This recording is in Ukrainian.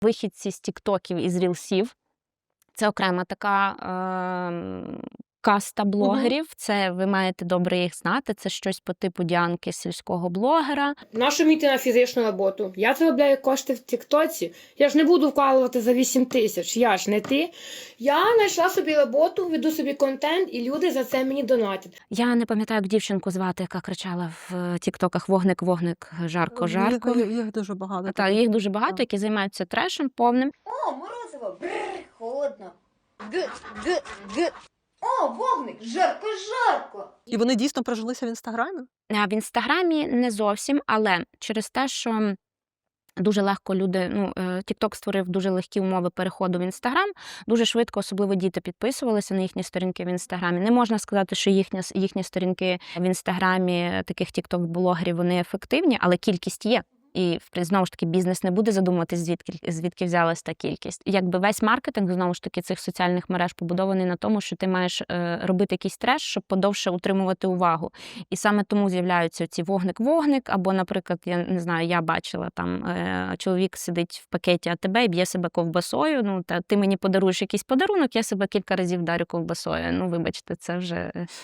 Вихідці з тіктоків і з рілсів. Це окрема така каста блогерів. Це ви маєте добре їх знати. Це щось по типу Діанки сільського блогера. Нащо йти на фізичну роботу? Я заробляю кошти в тіктоці. Я ж не буду вкалувати за 8 тисяч. Я ж не ти. Я знайшла собі роботу, веду собі контент, і люди за це мені донатять. Я не пам'ятаю, як дівчинку звати, яка кричала в тіктоках «Вогник, вогник, жарко, жарко». Їх дуже багато. Так, їх дуже багато, які займаються трешем повним. О, морозиво, бррр, холодно. Г, г, г. О, вогник, жарко, жарко. І вони дійсно прижилися в Інстаграмі? А в Інстаграмі не зовсім, але через те, що дуже легко люди, TikTok створив дуже легкі умови переходу в Інстаграм, дуже швидко, особливо діти, підписувалися на їхні сторінки в Інстаграмі. Не можна сказати, що їхні сторінки в Інстаграмі таких TikTok-блогерів, вони ефективні, але кількість є. І, знову ж таки, бізнес не буде задумуватись, звідки взялась та кількість. Якби весь маркетинг, знову ж таки, цих соціальних мереж побудований на тому, що ти маєш робити якийсь треш, щоб подовше утримувати увагу. І саме тому з'являються ці вогник-вогник, або, наприклад, я не знаю, я бачила, там чоловік сидить в пакеті АТБ і б'є себе ковбасою, та ти мені подаруєш якийсь подарунок, я себе кілька разів вдарю ковбасою. Вибачте, це вже